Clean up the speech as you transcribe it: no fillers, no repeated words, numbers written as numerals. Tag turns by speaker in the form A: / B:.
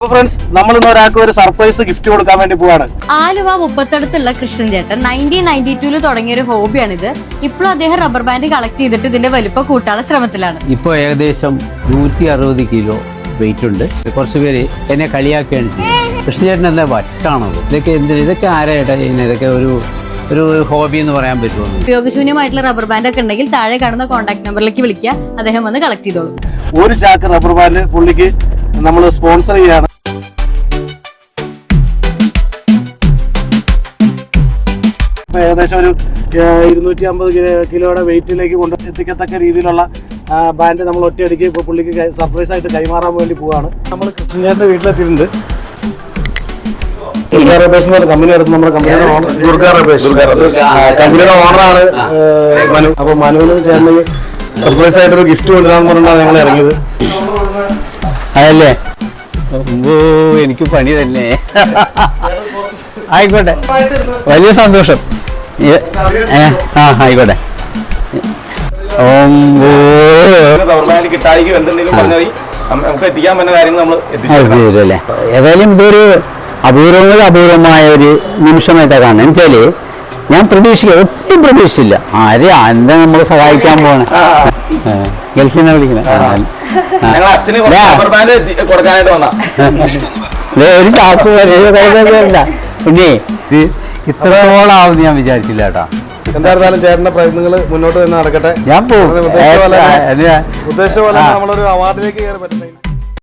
A: Friends, നമ്മൾ ഇന്ന് ഒരാൾക്ക് ഒരു സർപ്രൈസ് ഗിഫ്റ്റ് കൊടുക്കാൻ വേണ്ടി പോവാണ്.
B: ആലുവ മുപ്പത്തടുത്തുള്ള കൃഷ്ണൻ ചേട്ടൻ 1992 തുടങ്ങിയ ഒരു ഹോബിയാണിത്. ഇപ്പോഴും അദ്ദേഹം റബ്ബർ ബാൻഡ് കളക്ട് ചെയ്തിട്ട് ഇതിന്റെ വലുപ്പം കൂട്ടാനുള്ള ശ്രമത്തിലാണ്.
C: ഇപ്പോൾ ഏകദേശം 160 കിലോ വെയിറ്റ് ഉണ്ട്. കുറച്ച് പേര് എന്നെ കളിയാക്കുകയാണ് ചെയ്യുന്നത്. കൃഷ്ണചേട്ടൻ എന്താ വട്ടാണത്, ഇതൊക്കെ എന്തിന്, ഇതൊക്കെ ആരായിട്ടാ ചെയ്യുന്നത്, ഇതൊക്കെ ഒരു ഹോബി എന്ന് പറയാൻ പറ്റുമോ?
B: ഉപയോഗശൂന്യമായിട്ടുള്ള റബ്ബർ ബാൻഡ് ഒക്കെ ഉണ്ടെങ്കിൽ താഴെ കാണുന്ന കോൺടാക്ട് നമ്പറിലേക്ക് വിളിക്കുക, അദ്ദേഹം വന്ന് കളക്ട് ചെയ്തോളൂ.
A: ഒരു ചാക്ക് റബ്ബർ ബാൻഡ് പുള്ളിക്ക് നമ്മൾ സ്പോൺസർ ചെയ്യാണ്. ഏകദേശം ഒരു 250 കിലോയുടെ വെയിറ്റിലേക്ക് കൊണ്ട് എത്തിക്കത്തക്ക രീതിയിലുള്ള ബാൻഡ് നമ്മൾ ഒറ്റയടിക്ക് ഇപ്പോൾ പുള്ളിക്ക് സർപ്രൈസ് ആയിട്ട് കൈമാറാൻ വേണ്ടി പോവാണ്. നമ്മൾ കൃഷ്ണചേട്ടൻ്റെ വീട്ടിലെത്തിയിട്ടുണ്ട്. ദുർഗ റബേഴ്സ് എന്ന് പറഞ്ഞ കമ്പനി എടുത്ത് നമ്മുടെ കമ്പനിയുടെ ഓണർ കമ്പനിയുടെ ഓണറാണ് മനു. അപ്പോൾ മനുവിന് ചേട്ടന് സർപ്രൈസ് ആയിട്ടൊരു ഗിഫ്റ്റ് കൊണ്ടുവരാന്ന് പറഞ്ഞാണ് ഞങ്ങൾ ഇറങ്ങിയത്.
C: അതല്ലേ, എനിക്ക് പണി തന്നെ. ആയിക്കോട്ടെ, വലിയ സന്തോഷം. ആയിക്കോട്ടെ. അല്ലേ, ഏതായാലും ഇതൊരു അപൂർവമായ ഒരു നിമിഷമായിട്ടാണ് കാണുന്നത്. എന്നുവെച്ചാല് ഞാൻ ഒട്ടും പ്രതീക്ഷിച്ചില്ല. എന്താ നമ്മളെ സഹായിക്കാൻ പോണേ, ഗൾഫിൽ നിന്ന് വിളിക്കണേ. ഒരു ചാക്ക് വരല്ല. പിന്നെ ഇത് ഇത്രയോളാവുമെന്ന് ഞാൻ വിചാരിച്ചില്ല കേട്ടോ.
A: എന്തായിരുന്നാലും ചേട്ടന്റെ പ്രയത്നങ്ങൾ മുന്നോട്ട് തന്നെ നടക്കട്ടെ.
C: ഞാൻ പോകും.
A: ഉദ്ദേശിച്ച പോലെ നമ്മളൊരു അവാർഡിലേക്ക് കയറി പറ്റുന്ന